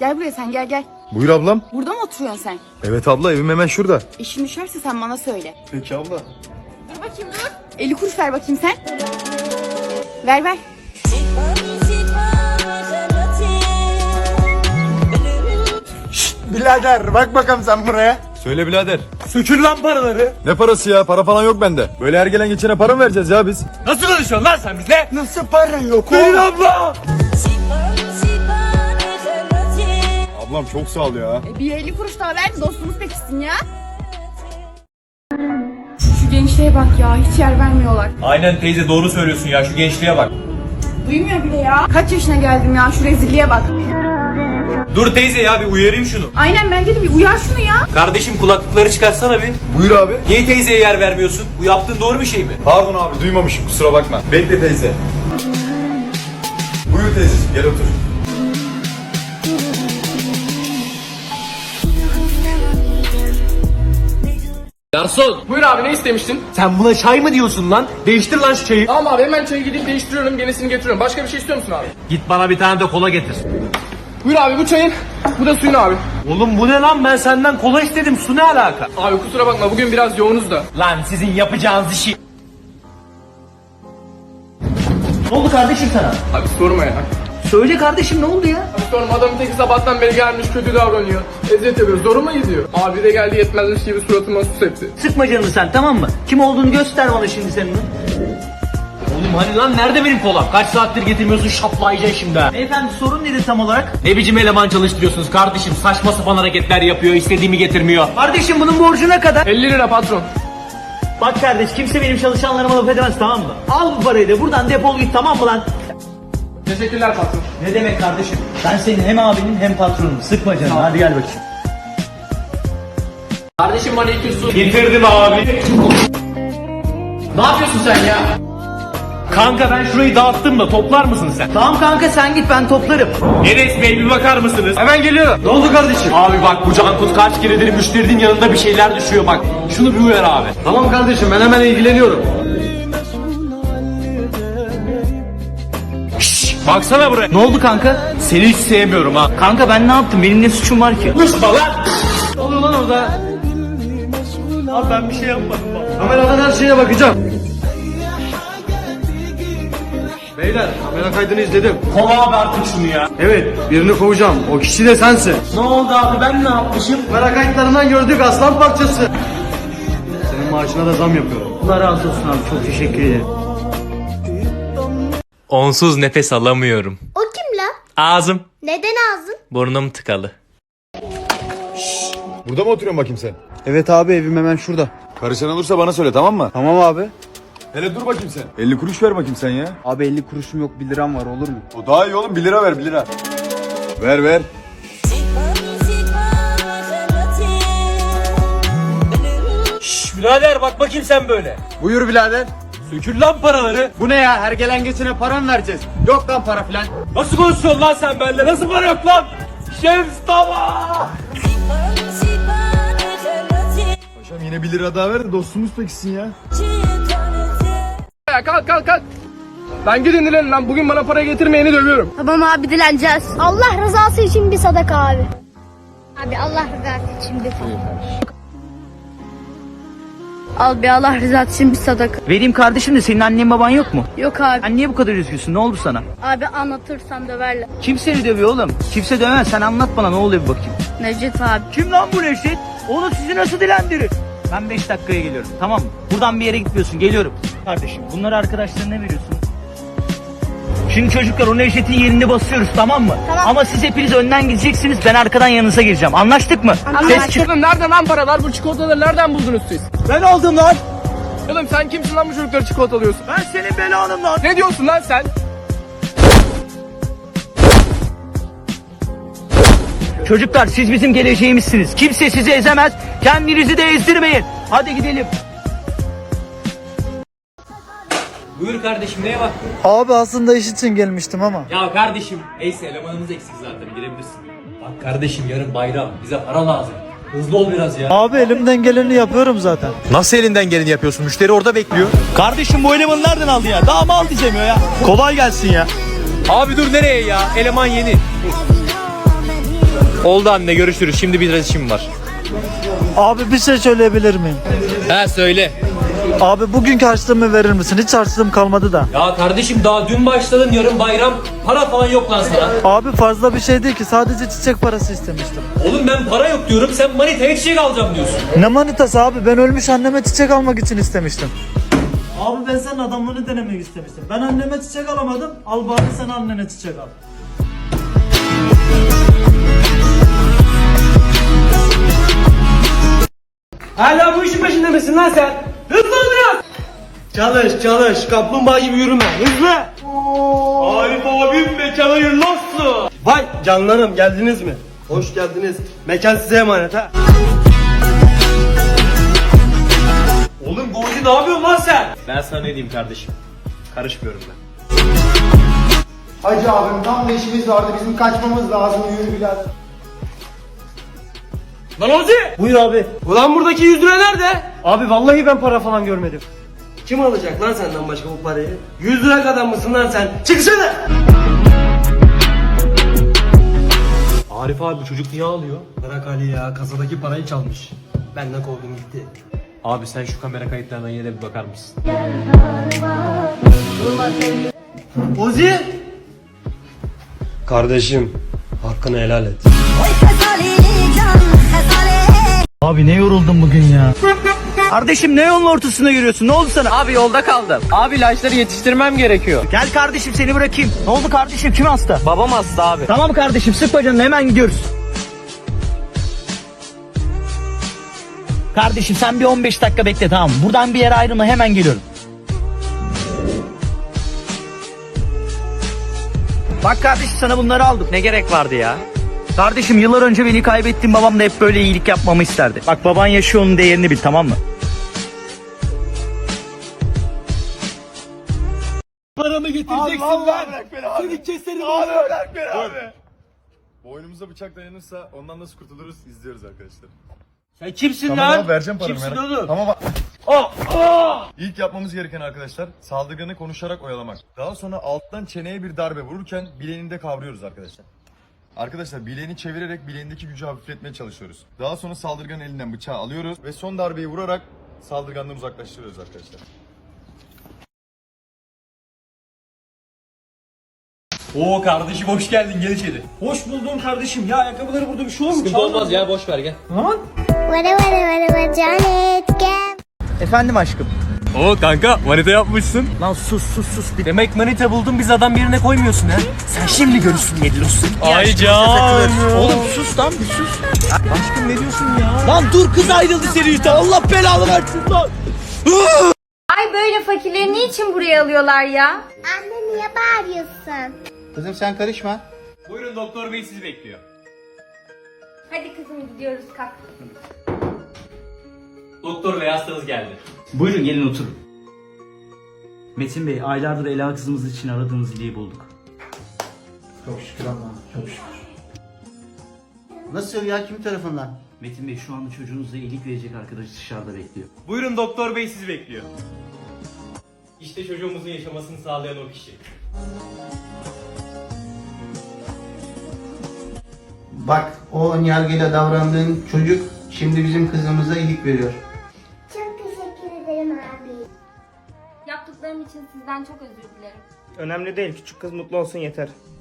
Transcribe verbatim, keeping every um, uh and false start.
Gel buraya sen gel gel. Buyur ablam. Burada mı oturuyorsun sen? Evet abla, evim hemen şurada. İşin düşerse sen bana söyle. Peki abla. Dur bakayım dur. elli kuruş ver bakayım sen. Ver ver. Birader bak bakalım sen buraya. Söyle birader. Sökül lan paraları. Ne parası ya? Para falan yok bende. Böyle her gelen geçene para mı vereceğiz ya biz? Nasıl konuşuyorsun lan sen bizle? Nasıl para yok oğlum? Verin abla. Ablam çok sağ ol ya. E, bir elli kuruş daha ver dostumuz pekişsin ya. Şu gençliğe bak ya hiç yer vermiyorlar. Aynen teyze, doğru söylüyorsun ya, şu gençliğe bak. Duymuyor bile ya. Kaç yaşına geldim ya şu rezilliğe bak. Dur teyze ya, bir uyarayım şunu. Aynen bence de bir uyar şunu ya. Kardeşim kulaklıkları çıkarsana bir. Buyur abi. Niye teyzeye yer vermiyorsun? Bu yaptığın doğru bir şey mi? Pardon abi, duymamışım, kusura bakma. Bekle teyze. Buyur teyzeciğim, gel otur. Garson. Buyur abi, ne istemiştin? Sen buna çay mı diyorsun lan? Değiştir lan şu çayı. Tamam abi, hemen çayı gidip değiştiriyorum, yenisini getiriyorum. Başka bir şey istiyor musun abi? Git bana bir tane de kola getir. Buyur abi, bu çayın, bu da suyun abi. Oğlum bu ne lan, ben senden kola istedim, su ne alaka? Abi kusura bakma, bugün biraz yoğunuz da. Lan sizin yapacağınız işi. Ne oldu kardeşim sana? Abi sorma ya. Söyle kardeşim, ne oldu ya? Abi sorma, adamın teki sabahtan beri gelmiş, kötü davranıyor. Eziyet ediyor, zoruma gidiyor. Abi de geldi, yetmezmiş gibi suratıma sus etti. Sıkma canını sen, tamam mı? Kim olduğunu göster bana şimdi senin. Oğlum hani lan, nerede benim kolam? Kaç saattir getirmiyorsun, şaplayacaksın şimdi ha. Beyefendi sorun nedir tam olarak? Ne biçim eleman çalıştırıyorsunuz kardeşim? Saçma sapan hareketler yapıyor, istediğimi getirmiyor. Kardeşim bunun borcu ne kadar? elli lira patron. Bak kardeş, kimse benim çalışanlarıma laf edemez, tamam mı? Al bu parayı da buradan defol git, tamam mı lan? Teşekkürler patron. Ne demek kardeşim? Ben senin hem abinin hem patronum. Sıkma canını, hadi gel bakayım. Kardeşim bana iki su. Getirdim abi. Ne yapıyorsun sen ya? Kanka ben şurayı dağıttım da toplar mısın sen? Tamam kanka, sen git, ben toplarım. Enes Bey bir bakar mısınız? Hemen geliyorum. Ne oldu kardeşim? Abi bak, bu Cankut kaç keredir müşterinin yanında bir şeyler düşüyor bak. Şunu bir uyar abi. Tamam kardeşim, ben hemen ilgileniyorum. Baksana buraya. Ne oldu kanka? Seni hiç sevmiyorum ha. Kanka ben ne yaptım? Benim ne suçum var ki? Kusma lan! Ne oluyor lan orada? Abi ben bir şey yapmadım bak. Kameradan her şeye bakacağım. Beyler, kamera kaydını izledim. Kov abi artık şunu ya. Evet, birini kovacağım. O kişi de sensin. Ne oldu abi, ben ne yapmışım? Kamera kayıtlarından gördük, aslan parçası. Senin maaşına da zam yapıyorum. Allah razı olsun abi, çok teşekkür ederim. Onsuz nefes alamıyorum. O kim la? Ağzım, Neden ağzın? burnum tıkalı. Burada mı oturuyorsun bakayım sen? Evet abi, evim hemen şurada. Karışan olursa bana söyle, tamam mı? Tamam abi. Hele dur bakayım sen. elli kuruş ver bakayım sen ya. Abi elli kuruşum yok, bir liram var, olur mu? O daha iyi oğlum, bir lira ver, bir lira. Ver ver. Şşş birader, bak bakayım sen böyle. Buyur birader. Sökül lan paraları. Bu ne ya? Her gelen geçene para mı vereceğiz? Yok lan para filan. Nasıl konuşuyorsun lan sen benimle? Nasıl para yok lan? Şems tamam. Paşam yine bir lira daha ver de dostumuz peksin ya. Ya kalk kalk kalk. Ben gidin dilenin lan, bugün bana para getirmeyeni dövüyorum. Tamam abi, dileneceğiz. Allah rızası için bir sadaka abi. Abi Allah rızası için bir sadaka. Al bir Allah rızası için bir sadaka. Vereyim kardeşim de, senin annen baban yok mu? Yok abi. Sen niye bu kadar üzgünsün? Ne oldu sana? Abi anlatırsan döverler. Kim seni dövüyor oğlum? Kimse dövmez. Sen anlat bana, ne oluyor bir bakayım. Necdet abi. Kim lan bu Neşet? Onu sizi nasıl dilendirir? Ben beş dakikaya geliyorum, tamam mı? Buradan bir yere gitmiyorsun, geliyorum. Kardeşim bunları arkadaşlarına veriyorsun. Şimdi çocuklar, o Neşet'in yerini basıyoruz, tamam mı? Tamam. Ama siz hepiniz önden gideceksiniz, ben arkadan yanınıza gireceğim. Anlaştık mı? Ses çık. Oğlum nereden lan paralar? Bu çikolataları nereden buldunuz siz? Ben aldım lan. Oğlum sen kimsin lan, bu çocuklara çikolata alıyorsun? Ben senin belanım lan. Ne diyorsun lan sen? Çocuklar, siz bizim geleceğimizsiniz. Kimse sizi ezemez. Kendinizi de ezdirmeyin. Hadi gidelim. Buyur kardeşim, neye baktın? Abi aslında iş için gelmiştim ama. Ya kardeşim, neyse elemanımız eksik zaten, girebilirsin. Bak kardeşim, yarın bayram, bize para lazım. Hızlı ol biraz ya. Abi elimden geleni yapıyorum zaten. Nasıl elinden geleni yapıyorsun? Müşteri orada bekliyor. Kardeşim bu elemanı nereden aldı ya? Daha mı al diyemiyor ya? Kolay gelsin ya. Abi dur, nereye ya? Eleman yeni. Oldu anne, görüşürüz. Şimdi biraz işim var. Abi bir şey söyleyebilir miyim? He söyle. Abi bugünkü harçlığımı verir misin? Hiç harçlığım kalmadı da. Ya kardeşim daha dün başladın, yarın bayram. Para falan yok lan sana. Abi fazla bir şey değil ki, sadece çiçek parası istemiştim. Oğlum ben para yok diyorum, sen manitaya çiçek alacağım diyorsun. Ne manitası abi, ben ölmüş anneme çiçek almak için istemiştim. Abi ben senin adamlığını denemek istemiştim. Ben anneme çiçek alamadım, al bari sen annene çiçek al. Hala bu işin peşinde misin lan sen? Hızlı ol biraz. Çalış çalış kaplumbağa gibi yürüme. Hızlı. Arif abim mekana hayırlı olsun. Vay canlarım geldiniz mi? Hoş geldiniz. Mekan size emanet ha. Oğlum Gozi ne yapıyorsun lan sen? Ben sana ne diyeyim kardeşim? Karışmıyorum ben. Hacı abim tam da işimiz vardı, bizim kaçmamız lazım, yürü birader. Lan Ozi! Buyur abi. Ulan buradaki yüz lira nerede? Abi vallahi ben para falan görmedim. Kim alacak lan senden başka bu parayı? yüz lira kadar mısın lan sen? Çıksana! Arif abi bu çocuk niye ağlıyor? Bırak Ali ya, kasadaki parayı çalmış. Benden kovdum gitti. Abi sen şu kamera kayıtlarına yine de bir bakar mısın? Ozi! Kardeşim, hakkını helal et. Abi ne yoruldum bugün ya. Kardeşim ne yolun ortasında yürüyorsun? Ne oldu sana? Abi yolda kaldım. Abi ilaçları yetiştirmem gerekiyor. Gel kardeşim seni bırakayım. Ne oldu kardeşim? Kim hasta? Babam hasta abi. Tamam kardeşim, sıkma canını, hemen gidiyoruz. Kardeşim sen bir on beş dakika bekle, tamam mı? Buradan bir yere ayrılma, hemen geliyorum. Bak kardeşim sana bunları aldım. Ne gerek vardı ya? Kardeşim yıllar önce beni kaybettiğim babam da hep böyle iyilik yapmamı isterdi. Bak baban yaşıyor, onun değerini bil, tamam mı? Paramı getireceksin lan. Seni keserim abi. Bırak beni abi. Boynumuza bıçak dayanırsa ondan nasıl kurtuluruz izliyoruz arkadaşlar. Sen kimsin Tamam lan? abi, vereceğim paramı. Kimsin merak- oğlum? Tamam abi. Oh, oh! İlk yapmamız gereken arkadaşlar saldırganı konuşarak oyalamak. Daha sonra alttan çeneye bir darbe vururken bileğini de kavruyoruz arkadaşlar. Arkadaşlar bileğini çevirerek bileğindeki gücü hafifletmeye çalışıyoruz. Daha sonra saldırganın elinden bıçağı alıyoruz ve son darbeyi vurarak saldırgandan uzaklaştırıyoruz arkadaşlar. Oo kardeşim hoş geldin, gel içeri. Hoş buldum kardeşim. Ya ayakkabıları burada bir şey olmuş. Sıkıntı olmaz ya, boş ver gel. Vara vara vara vara Janet gel. Efendim aşkım. Oo kanka manita yapmışsın. Lan sus sus sus. Bir... Demek manita buldun, biz adam yerine koymuyorsun ha? Sen şimdi görürsün Yedilos'un. Ay canım. Oğlum sus lan bir sus. Aşkım ne diyorsun ya? Lan dur, kız ayrıldı seni işte. Allah belanı versin lan. Ay böyle fakirleri niçin buraya alıyorlar ya? Anne niye bağırıyorsun? Kızım sen karışma. Buyurun, doktor bey sizi bekliyor. Hadi kızım gidiyoruz, kalk. Doktor bey hastanız geldi. Buyurun gelin oturun. Metin Bey, aylardır Ela kızımız için aradığınız iliği bulduk. Çok şükür Allah'ım, çok şükür. Nasıl ya, kim tarafından? Metin Bey, şu anda çocuğunuza iyilik verecek arkadaş dışarıda bekliyor. Buyurun, doktor bey sizi bekliyor. İşte çocuğumuzun yaşamasını sağlayan o kişi. Bak, o önyargıyla davrandığın çocuk şimdi bizim kızımıza iyilik veriyor. Çok teşekkür ederim abi. Yaptıklarım için sizden çok özür dilerim. Önemli değil, küçük kız mutlu olsun yeter.